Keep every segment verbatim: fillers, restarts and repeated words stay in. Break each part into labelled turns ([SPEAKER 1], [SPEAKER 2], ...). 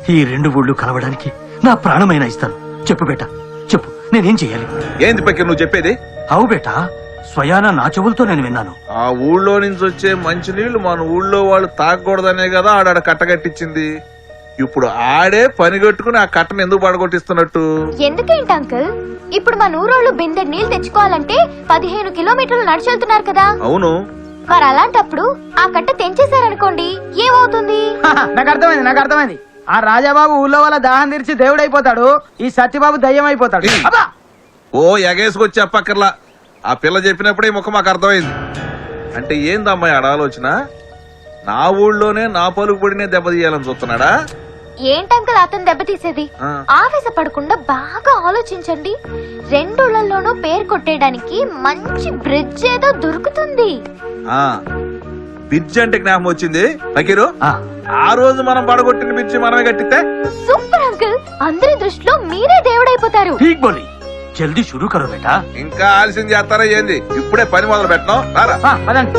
[SPEAKER 1] ఈ రెండు ఊళ్ళు కలవడానికి నా ప్రాణమైనా ఇస్తాను. చెప్పు బేటా, చెప్పు, నేనేం చెయ్యాలి?
[SPEAKER 2] ఏంది పక్కన నువ్వు చెప్పేది?
[SPEAKER 1] అవు బేటా, స్వయానా నా చెవులతో నేను విన్నాను.
[SPEAKER 2] ఆ ఊళ్ళో నుంచి వచ్చే మంచినీళ్లు మన ఊళ్ళో వాళ్ళు తాగకూడదనే కదా ఆడాడ కట్టగట్టించింది. ఇప్పుడు ఆడే పని కట్టుకుని ఆ కట్టను ఎందుకు పడగొట్టిస్తున్నట్టు?
[SPEAKER 3] ఎందుకేంటి అంకుల్? ఇప్పుడు మన ఊరోళ్ళు బిందె నీళ్లు తెచ్చుకోవాలంటే పదిహేను కిలోమీటర్లు నడిచెళ్తున్నారు కదా.
[SPEAKER 2] అవును.
[SPEAKER 3] మరి అలాంటప్పుడు ఆ కట్ట తెంచేశారనుకోండి, ఏమవుతుంది?
[SPEAKER 4] నాకు అర్థమైంది నాకు అర్థమైంది ఆ రాజాబాబు ఊళ్ళో వాళ్ళ దాహం తీర్చి దేవుడైపోతాడు, ఈ సత్యబాబు దయ్యం అయిపోతాడు.
[SPEAKER 2] ఓ ఎగేసుకొచ్చి చెప్పక్కర్లా, ఆ పిల్ల చెప్పినప్పుడే ఈ ముఖం మాకు అర్థమైంది. అంటే ఏందమ్మాయి ఆడ ఆలోచన? నా ఊళ్ళోనే నా పలుకుబడినే దెబ్బతీయాలని చూస్తున్నాడా?
[SPEAKER 3] ఏంటంకుల్ అతను దెబ్బతీసేది? ఆవేశపడకుండా బాగా ఆలోచించండి. రెండుళ్లలోనూ పేరు కొట్టేయడానికి మంచి బ్రిడ్జ్ ఏదో దొరుకుతుంది.
[SPEAKER 2] ఆ బ్రిడ్జ్ అంటే జ్ఞాపకం వచ్చింది ఫకీరు.
[SPEAKER 1] ఆ,
[SPEAKER 2] ఆ రోజు మనం పడగొట్టిన బ్రిడ్జ్ మనమే కట్టితే
[SPEAKER 3] సూపర్ అంకుల్, అందరి దృష్టిలో మీరే దేవుడైపోతారు.
[SPEAKER 1] ఠీక్ బోలి, జల్దీ షురూ కరో బేటా.
[SPEAKER 2] ఇంకా ఆలస్యం చేస్తారా ఏంది? ఇప్పుడే పని మొదలు పెట్టడం రారా.
[SPEAKER 4] ఆ, పదండి.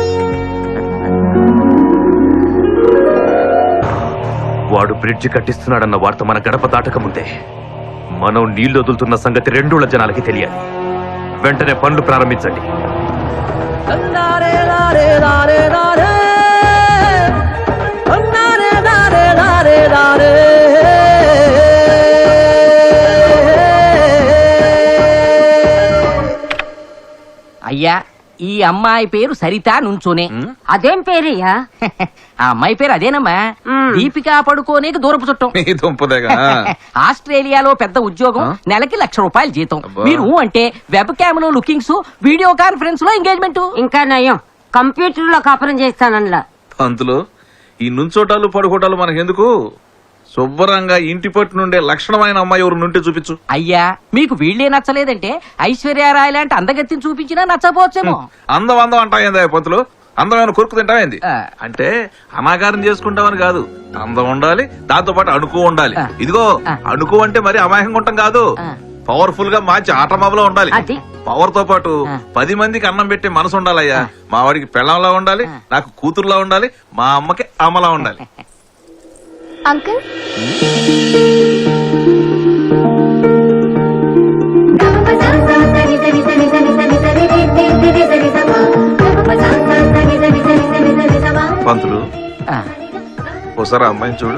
[SPEAKER 5] వాడు బ్రిడ్జి కట్టిస్తున్నాడన్న వార్త మన గడప దాటక ముందే మనం నీళ్లు వదులుతున్న సంగతి రెండూళ్ల జనాలకి తెలియాలి. వెంటనే పనులు ప్రారంభించండి.
[SPEAKER 6] అయ్యా, ఈ అమ్మాయి పేరు సరిత నుంచోనే.
[SPEAKER 7] అదేం పేరయ్యా?
[SPEAKER 6] ఆ అమ్మాయి పేరు అదేనమ్మా, దీపికా పడుకోనేకి దూరపు చుట్టం.
[SPEAKER 2] మీ దుంపదేగా.
[SPEAKER 6] ఆస్ట్రేలియాలో పెద్ద ఉద్యోగం, నెలకి లక్ష రూపాయలు జీతం.
[SPEAKER 2] అబ్బా.
[SPEAKER 6] మీరు అంటే వెబ్ క్యామ్ లో లుకింగ్స్, వీడియో కాన్ఫరెన్స్ లో ఎంగేజ్మెంట్.
[SPEAKER 7] ఇంకా నయం, కంప్యూటర్ లో కాపురం చేస్తానన్నా.
[SPEAKER 2] పంతులు, ఈ నుంచోటాలు పడుకోటాలు మనకెందుకు? శుభ్రంగా ఇంటి పట్టు నుండే లక్షణమైన అమ్మాయి ఎవరు నుండి చూపించు.
[SPEAKER 6] అయ్యా, మీకు వీళ్ళే నచ్చలేదంటే ఐశ్వర్యరాయ్ లాంటి అందగత్తిని చూపించినా నచ్చపోవచ్చేమో.
[SPEAKER 2] అందం అందం అంటాయిందా పంతులు? అందమైన కొరుకు తింటావేంది?
[SPEAKER 6] ఆ.
[SPEAKER 2] అంటే అనాకారం చేసుకుంటామని కాదు, అందం ఉండాలి, దాంతో పాటు అణుకు ఉండాలి.
[SPEAKER 6] ఆ.
[SPEAKER 2] ఇదిగో
[SPEAKER 6] ఆ.
[SPEAKER 2] అణుకు అంటే మరి అమాయకంగా ఉంటాం కాదు,
[SPEAKER 6] ఆ.
[SPEAKER 2] పవర్ఫుల్ గా మంచి ఆటమాబలో ఉండాలి.
[SPEAKER 7] అది.
[SPEAKER 2] పవర్ తో పాటు
[SPEAKER 6] ఆ.
[SPEAKER 2] పది మందికి అన్నం పెట్టే మనసు ఉండాలయ్యా. మా వాడికి పెళ్ళంలా ఉండాలి, నాకు కూతురులా ఉండాలి, మా అమ్మకి అమ్మలా ఉండాలి.
[SPEAKER 3] అంకుల్,
[SPEAKER 2] పంతులు,
[SPEAKER 6] ఆ.
[SPEAKER 2] ఒకసారి అమ్మాయిని చూడు.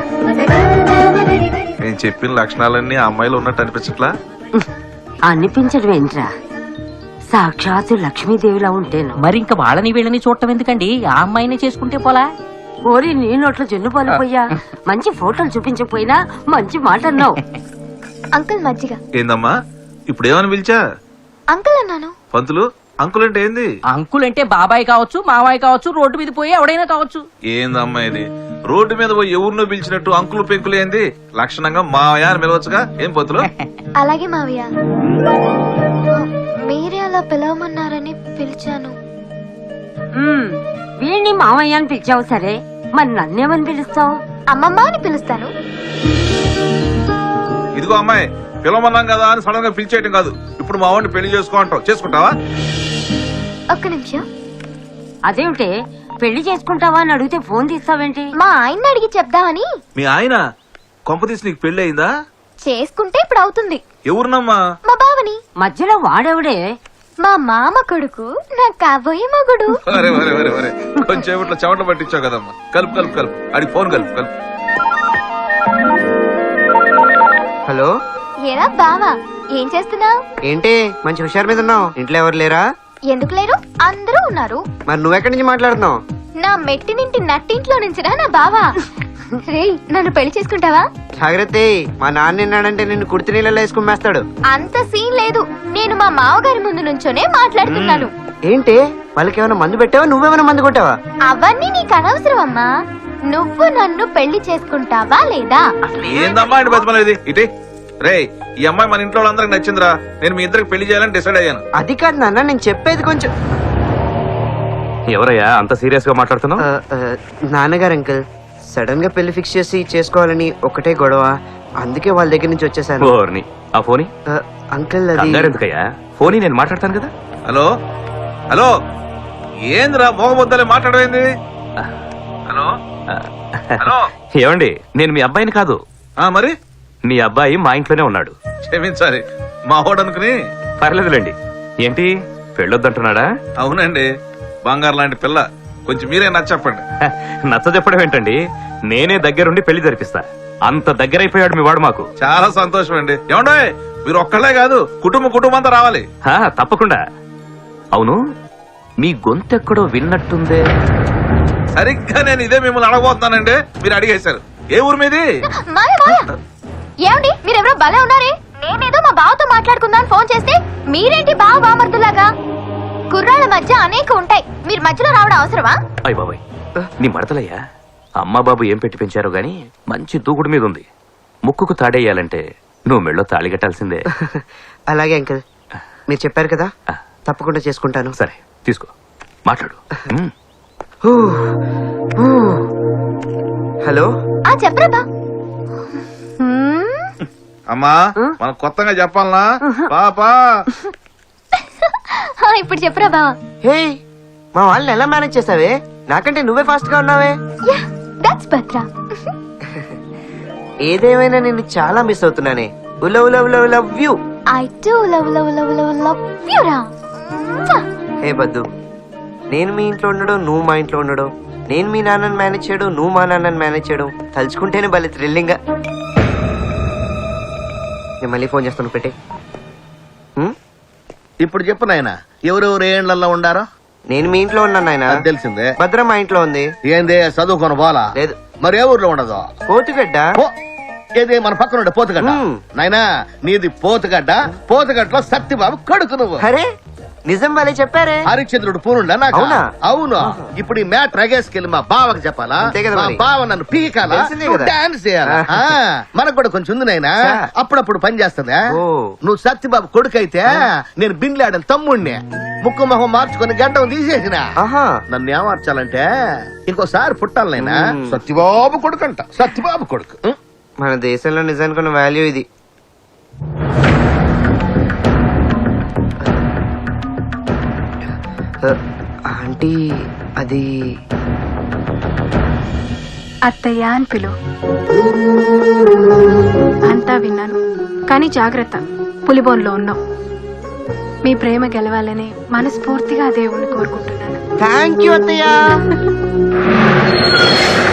[SPEAKER 2] నేను చెప్పిన లక్షణాలన్నీ ఆ అమ్మాయిలో ఉన్నట్టు అనిపించట్లా?
[SPEAKER 7] అనిపించడం ఏంట్రా, సాక్షాత్తు లక్ష్మీదేవిలా ఉంటేను.
[SPEAKER 6] మరి ఇంకా వాళ్ళని వీళ్ళని చూడటం ఎందుకండి, ఆ అమ్మాయినే చేసుకుంటే పోలా.
[SPEAKER 7] ఓరి నీ నోట్లో జున్ను పాలిపోయా, మంచి ఫోటోలు చూపించకపోయినా మంచి మాట అన్నావు.
[SPEAKER 3] అంకుల్ మజ్జిగ.
[SPEAKER 2] ఏందమ్మా ఇప్పుడు ఏమని పిలిచా?
[SPEAKER 3] అంకుల్ అన్నాను.
[SPEAKER 2] పంతులు, అంకుల్ అంటే ఏంది?
[SPEAKER 6] అంకుల్ అంటే బాబాయ్ కావచ్చు, మావాయ్ కావచ్చు, రోడ్డు మీద పోయి ఎవడైనా కావచ్చు.
[SPEAKER 2] ఏందమ్మా ఇది? రోడ్డు మీద పోయి ఎవరినో పిలిచినట్టు అంకులు పెంకులు ఏంది? లక్షణంగా మావయ్య అని పిలవచ్చుగా. ఏం పంతులు?
[SPEAKER 3] అలాగే మావయ్య, మీరే అలా పిలవమన్నారని పిలిచాను.
[SPEAKER 7] ఉమ్, వీణ్ణి మామయ్య అని పిలిచావు సరే, మరి నన్నేమని పిలుస్తావు?
[SPEAKER 3] అమ్మమ్మ అని పిలుస్తాను.
[SPEAKER 2] ఇదిగో అమ్మాయి, పిలవమన్నాం కదా అని సడన్ గా పిలిచేయటం కాదు. ఇప్పుడు మా వాడిని పెళ్లి చేసుకో అంటావు, చేసుకుంటావా?
[SPEAKER 3] ఒక్క నిమిషం.
[SPEAKER 7] అదేమిటే, పెళ్లి చేసుకుంటావా అని అడిగితే ఫోన్ తీస్తావేంటి?
[SPEAKER 3] మా ఆయన్ని అడిగి చెప్దామని.
[SPEAKER 2] మీ ఆయన కొంపతీసి నీకు పెళ్లి అయిందా?
[SPEAKER 3] చేసుకుంటే ఇప్పుడు అవుతుంది.
[SPEAKER 2] ఎవరినమ్మా?
[SPEAKER 3] మా బావని.
[SPEAKER 7] మధ్యలో వాడెవడే?
[SPEAKER 3] మా మామ కొడుకు, నా కాబోయే మగుడు.
[SPEAKER 2] అరే వరే వరే వరే కొంచెం ఇట్లా చెమట పట్టించావు కదమ్మా. కలుపు కలుపు కలుపు, అడిగి ఫోన్ కలుపు కలుపు.
[SPEAKER 8] హలో,
[SPEAKER 3] ఏరా బావా, ఏం చేస్తున్నావు?
[SPEAKER 8] ఏంటి మంచి హుషారు మీద ఉన్నావు? ఇంట్లో ఎవరు లేరా?
[SPEAKER 3] ఎందుకు లేరు, అందరూ ఉన్నారు.
[SPEAKER 8] మరి నువ్వెక్కడి నుంచి మాట్లాడుతున్నావు?
[SPEAKER 3] నా మెట్టినింటి నట్టింట్లో నుంచిరా నా బావా. రేయ్, నన్ను పెళ్లి చేసుకుంటావా?
[SPEAKER 8] జాగ్రత్త, మా నాన్న విన్నాడంటే నిన్ను కుర్తి నీళ్ళలో వేసుకుమ్మేస్తాడు.
[SPEAKER 3] అంత సీన్ లేదు, నేను మా మావగారి ముందు నుంచోనే మాట్లాడుతున్నాను.
[SPEAKER 8] ఏంటి వాళ్ళకి ఏమైనా మందు పెట్టావా? నువ్వేమైనా మందు కొట్టావా?
[SPEAKER 3] అవన్నీ నీకు అనవసరం అమ్మా. నువ్వు నన్ను పెళ్లి చేసుకుంటావా లేదా?
[SPEAKER 2] ఏందమ్మా అని బతిమలేదు ఇటే. రే, ఈ అమ్మాయి మన ఇంట్లో వాళ్ళందరికి నచ్చిందిరా. నేను మీ ఇద్దరికి పెళ్లి చేయాలని డిసైడ్ అయ్యాను.
[SPEAKER 8] అది కాదు నాన్న, నేను చెప్పేది కొంచెం.
[SPEAKER 5] ఎవరయ్యా అంత సీరియస్ గా మాట్లాడుతున్నావు?
[SPEAKER 8] ఆ, ఆ, నాన్నగారు అంకుల్ సడన్ గా పెళ్లి ఫిక్స్ చేసి చేసుకోవాలని ఒకటే గొడవ, అందుకే వాళ్ళ దగ్గర నుంచి వచ్చేసాను.
[SPEAKER 5] ఓర్ని, ఆ ఫోని
[SPEAKER 8] ఆ, అంకుల్ అది
[SPEAKER 5] ఎందుకయ్యా? ఫోని నేను మాట్లాడతాను కదా.
[SPEAKER 2] హలో హలో, ఏందిరా మోగబొద్దలే మాట్లాడమైంది? హలో హలో,
[SPEAKER 5] ఏమండి, నేను మీ అబ్బాయిని కాదు,
[SPEAKER 2] ఆ మరి
[SPEAKER 5] నీ అబ్బాయి మా ఇంట్లోనే ఉన్నాడు.
[SPEAKER 2] క్షమించాలి మా వాడు అనుకుని.
[SPEAKER 5] పర్లేదులేండి. ఏంటి పెళ్ళొద్దంటున్నాడా?
[SPEAKER 2] అవునండి, బంగారు లాంటి పిల్ల. కొంచెం మీరే నచ్చ చెప్పండి.
[SPEAKER 5] హ, నచ్చ చెప్పడం ఏంటండి, నేనే దగ్గరుండి పెళ్లి జరిపిస్తా. అంత దగ్గరైపోయాడు మీ వాడు మాకు.
[SPEAKER 2] చాలా సంతోషం అండి. ఏమండే మీరు ఒక్కళ్ళే కాదు, కుటుంబ కుటుంబం అంతా రావాలి.
[SPEAKER 5] హా, తప్పకుండా. అవును, మీ గొంతెక్కడో విన్నట్టుందే.
[SPEAKER 2] సరిగ్గా నేను ఇదే మిమ్మల్ని అడగబోతున్నానండి, మీరు అడిగేశారు. ఏ ఊరు మీది?
[SPEAKER 3] మాయ మాయ ఏమండి మీరెవరో భలే ఉన్నారే. నేనేదో మా బావతో మాట్లాడుకుందాం ఫోన్ చేస్తే మీరేంటి బావ బామర్దులాగా? కుర్రాళ్ళ మధ్య అనేక ఉంటాయి, మీరు మధ్యలో రావడం అవసరమా?
[SPEAKER 5] అయ్య బాబాయ్, నీ మడతలయ్యా. అమ్మా బాబు ఏం పెట్టి పెంచారో గాని మంచి దూకుడు మీద ఉంది. ముక్కుకు తాడేయాలంటే నువ్వు మెళ్ళో తాళి కట్టాల్సిందే.
[SPEAKER 8] అలాగే అంకుల్, మీరు చెప్పారు కదా,
[SPEAKER 5] ఆ.
[SPEAKER 8] తప్పకుండా చేసుకుంటాను.
[SPEAKER 5] సరే తీసుకో, మాట్లాడు. ఉమ్.
[SPEAKER 8] Who, who. హలో
[SPEAKER 3] ఆ చెప్పరా బా. హ్మ్,
[SPEAKER 2] అమ్మా మనం కొత్తగా చెప్పాలనా పాపా?
[SPEAKER 3] ఆ, ఇప్పుడు చెప్పరా బా.
[SPEAKER 8] హే, మా వాళ్ళని ఎలా మేనేజ్ చేసావే? నాకంటే నువ్వే ఫాస్ట్ గా ఉన్నావే.
[SPEAKER 3] Yeah that's Bhadra.
[SPEAKER 8] ఏదేమైనా నిన్ను చాలా మిస్ అవుతున్నానే. ఉల ఉల ఉల love you.
[SPEAKER 3] I too love love love love love you రా.
[SPEAKER 8] హే బద్దు, నేను మీ ఇంట్లో ఉండడం, నువ్వు మా ఇంట్లో ఉండడం, నేను మీ నాన్నని మేనేజ్ చేయడం, నువ్వు మా నాన్నని మేనేజ్ చేయడం, తలుచుకుంటేనే భలే థ్రిల్లింగ్ గా. నేను మళ్ళీ ఫోన్ చేస్తాను, పెట్టే.
[SPEAKER 9] ఇప్పుడు చెప్పు నాయన, ఎవరెవరు ఏండ్లలో ఉండారో?
[SPEAKER 8] నేను మీ ఇంట్లో ఉన్నాను నాయన.
[SPEAKER 9] అది తెలిసిందే.
[SPEAKER 8] భద్ర మా ఇంట్లో ఉంది.
[SPEAKER 9] ఏంది చదువుకొని పోలా?
[SPEAKER 8] లేదు.
[SPEAKER 9] మరి ఏ ఊర్లో ఉండదు?
[SPEAKER 8] పోతుగడ్డ.
[SPEAKER 9] పో. ఏది మన పక్కన ఉండే పోతుగడ్డ?
[SPEAKER 8] మ్.
[SPEAKER 9] నాయనా నీది పోతుగడ్డ. పోతుగడ్డలో సత్యబాబు కొడుకు నువ్వు.
[SPEAKER 8] అరే నిజం భలే చెప్పారే.
[SPEAKER 9] హరిశ్చంద్రుడు పూనుండా నాకు?
[SPEAKER 8] అవునా?
[SPEAKER 9] అవును. ఇప్పుడు ఈ మ్యాట్ రగేసుకెళ్ళి మా బావకి చెప్పాలా?
[SPEAKER 8] అంతే కదా
[SPEAKER 9] మా
[SPEAKER 8] మరి.
[SPEAKER 9] బావ నన్ను పీకాలా?
[SPEAKER 8] తెలిసిందే
[SPEAKER 9] నువ్వు
[SPEAKER 8] కదా.
[SPEAKER 9] డాన్స్ చేయాలా? ఆ, మనకు కూడా కొంచెం ఉంది నాయనా.
[SPEAKER 8] చా.
[SPEAKER 9] అప్పుడప్పుడు పని చేస్తుందా?
[SPEAKER 8] ఓ.
[SPEAKER 9] నువ్వు సత్యబాబు కొడుకైతే నేను బిన్లాడని తమ్ముణ్ణి. ముక్కు మొహం మార్చుకొని గడ్డం తీసేసిన.
[SPEAKER 8] ఆహా.
[SPEAKER 9] నన్ను ఏమార్చాలంటే ఇంకోసారి పుట్టాలి నాయనా.
[SPEAKER 8] మ్.
[SPEAKER 9] సత్యబాబు కొడుకు అంట. సత్యబాబు కొడుకు. ఉం?
[SPEAKER 8] మన దేశంలో నిజానికి ఉన్న వాల్యూ ఇది. ఆంటీ అది
[SPEAKER 10] అత్తయ్య అని పిలు. అంతా విన్నాను, కానీ జాగ్రత్త, పులిబోన్లో ఉన్నావు. మీ ప్రేమ గెలవాలని మనస్ఫూర్తిగా దేవుణ్ణి కోరుకుంటున్నాను.
[SPEAKER 8] థ్యాంక్ యూ అత్తయ్య.